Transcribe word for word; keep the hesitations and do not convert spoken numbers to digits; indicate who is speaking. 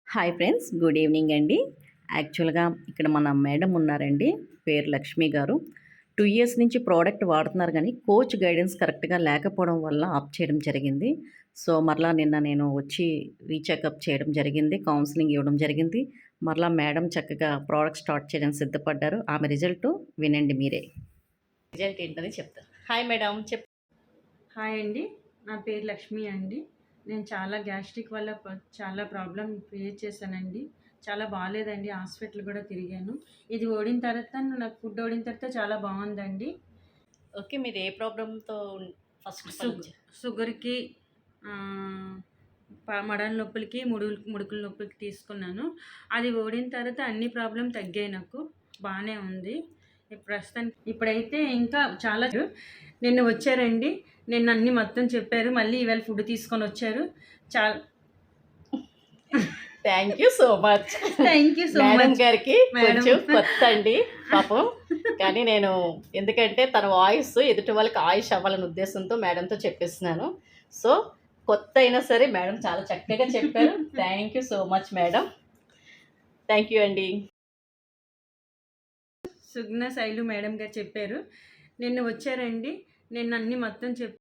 Speaker 1: Hi friends, good evening అండి. యాక్చువల్‌గా ఇక్కడ మన మేడం ఉన్నారండి, పేరు లక్ష్మి గారు. టూ ఇయర్స్ నుంచి ప్రోడక్ట్ వాడుతున్నారు గానీ, కోచ్ గైడెన్స్ కరెక్ట్‌గా లేకపోవడం వల్ల ఆప్ చేయడం జరిగింది. సో, మరలా నిన్న నేను వచ్చి రీచెకప్ చేయడం జరిగింది. కౌన్సెలింగ్ ఇవ్వడం జరిగింది. మరలా మేడం చక్కగా ప్రోడక్ట్ స్టార్ట్ చేయడానికి సిద్ధపడ్డారు. ఆమె రిజల్టు వినండి మీరే. రిజల్ట్ ఏంటని చెప్తారు. హాయ్ మేడం, చెప్
Speaker 2: హాయ్ అండి. నా పేరు లక్ష్మి అండి. నేను చాలా గ్యాస్ట్రిక్ వల్ల ప చాలా ప్రాబ్లమ్ ఫేస్ చేశానండి. చాలా బాలేదండి. హాస్పిటల్ కూడా తిరిగాను. ఇది ఓడిన తర్వాత నాకు ఫుడ్ ఓడిన తర్వాత చాలా బాగుందండి.
Speaker 1: ఓకే. మీరు ఏ ప్రాబ్లమ్‌తో ఫస్ట్
Speaker 2: సుగ్ షుగర్‌కి ఆహ్, ప మడల నొప్పులకి, ముడులు ముడుకుల నొప్పులకి తీసుకున్నాను. అది ఓడిన తర్వాత అన్ని ప్రాబ్లమ్ తగ్గాయి నాకు. బానే ఉంది. ఇప్పుడు ప్రస్తుతానికి ఇప్పుడైతే ఇంకా చాలా నిన్న వచ్చారండి. నిన్న అన్నీ మొత్తం చెప్పారు. మళ్ళీ ఇవాళ ఫుడ్ తీసుకొనొచ్చారు. చాలా
Speaker 1: thank you so much.
Speaker 2: Thank you so
Speaker 1: madam
Speaker 2: much.
Speaker 1: గారికి
Speaker 2: మేడం.
Speaker 1: కొంచెం కొత్త అండి పాపం. కానీ నేను ఎందుకంటే తన వాయిస్ ఎదుటి వాళ్ళకి ఆయుష్ అవ్వాలనే ఉద్దేశంతో మేడంతో చెప్పిస్తున్నాను. సో, కొత్త అయినా సరే మేడం చాలా చక్కగా చెప్పారు. Thank you so much madam. Thank you అండి.
Speaker 2: సుగ్న శైలు మేడం గారు చెప్పారు. నిన్న వచ్చారండి. నిన్న అన్నీ మొత్తం చెప్